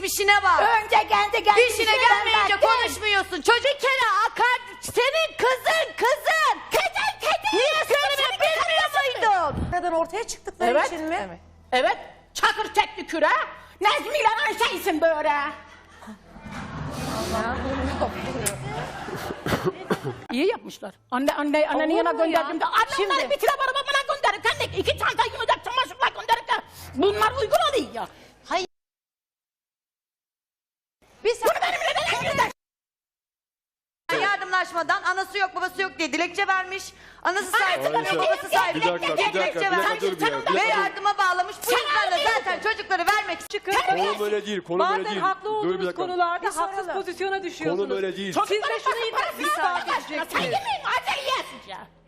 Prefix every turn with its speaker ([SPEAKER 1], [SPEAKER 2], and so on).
[SPEAKER 1] geçmişine bak.
[SPEAKER 2] Önce kendi
[SPEAKER 1] İşine gelmeyince konuşmuyorsun. Çocuk bir kere akar. Senin kızın. Niye söylemiyorsun? Bilmiyor muydun?
[SPEAKER 3] Neden ortaya çıktıkları için mi?
[SPEAKER 2] Evet. Evet. Çakır tekli küre. Nezmi ile Ayşe'ysin böyle. İyi yapmışlar. Annenin yanına gönderdim de. Annemler bir tire bana gönderip kendi 2 çanta yumuşak çamaşırla gönderip de. Bunlar uygun oluyor ya.
[SPEAKER 1] Hayır.
[SPEAKER 2] Bunu benimle neden evlendirdin?
[SPEAKER 1] Yardımlaşmadan anası yok babası yok diye dilekçe vermiş. Anası sahip çıkamıyor, babası sahip
[SPEAKER 4] Bir dakika,
[SPEAKER 1] diye
[SPEAKER 4] bir dakika,
[SPEAKER 1] dilekçe
[SPEAKER 4] bir dakika,
[SPEAKER 1] vermiş.
[SPEAKER 4] dur bir ya.
[SPEAKER 1] Ve yardıma bağlamış. Bu yüzden de zaten çocukları vermek için.
[SPEAKER 4] Konum öyle değil, konum öyle
[SPEAKER 3] Bazen
[SPEAKER 4] değil.
[SPEAKER 3] haklı
[SPEAKER 4] Dur bir
[SPEAKER 3] olduğunuz
[SPEAKER 4] dakika.
[SPEAKER 3] konularda haksız pozisyona düşüyorsunuz.
[SPEAKER 4] Konum öyle değil.
[SPEAKER 3] Siz de şunu iddia edeceksiniz.
[SPEAKER 2] Sen yemeyin, acele yesin ya.